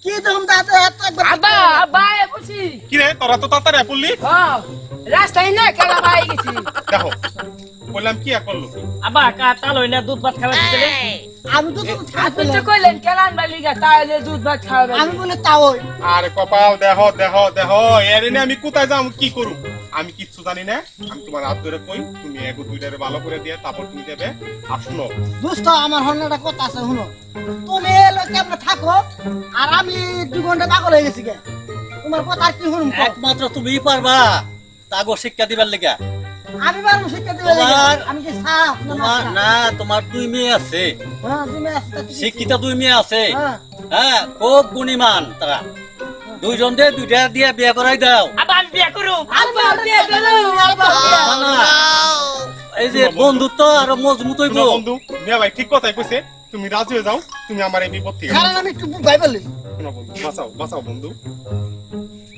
কি দেখুন দাদা এত একবার আব্বা আব্বা এ বলছি কি রে তোরা তো তাড়াতাড়ি পড়লি হ্যাঁ রাস্তায় না কেলা ভাই গেছি দেখো বললাম কি আর করলো আব্বা কাটা লই না দুধ ভাত খাওয়া দিতে আমি তো তুমি আপনি তো কইলেন কেলান বালি গা তাইলে দুধ ভাত খাওয়া আমি বলে তাও আরে কপাল দেখো দেখো দেখো এর এনে আমি কোথায় যাম কি করু আমি কিচ্ছু জানি না আমি তোমার হাত ধরে কই তুমি এগো দুইটারে ভালো করে দিয়ে তারপর তুমি দেবে আর শুনো দোস্ত আমার হন্নাটা কথা আছে শুনো তুমি লোকে আমরা থাকো আর আমি 2 ঘন্টা পাগল হয়ে গেছি গে তোমার কথা আর কি শুনুম একমাত্র তুমিই পারবা তাগো শিক্ষা দিবার লেগা আমি পারবো শিক্ষা দিবে আমি কি সাফ তোমার না তোমার 2 মেয়ে আছে হ্যাঁ তুমি আসতে শিক্ষিত 2 মেয়ে আছে হ্যাঁ হ্যাঁ খুব গুণীমান তারা দুইজন দিয়ে দুইটা দিয়ে বিয়ে করাই দাও আব্বা আমি বিয়ে করব আব্বা বিয়ে করব না, না, এই যে বন্ধুত্ব আর মজবুত হইব শুনো বন্ধু মিয়া ভাই ঠিক কথাই কইছে তুমি রাজি হয়ে যাও তুমি আমার এই বিপদ থেকে কারণ আমি একটু ভাই বলি শোনো বন্ধু বাঁচাও বাঁচাও বন্ধু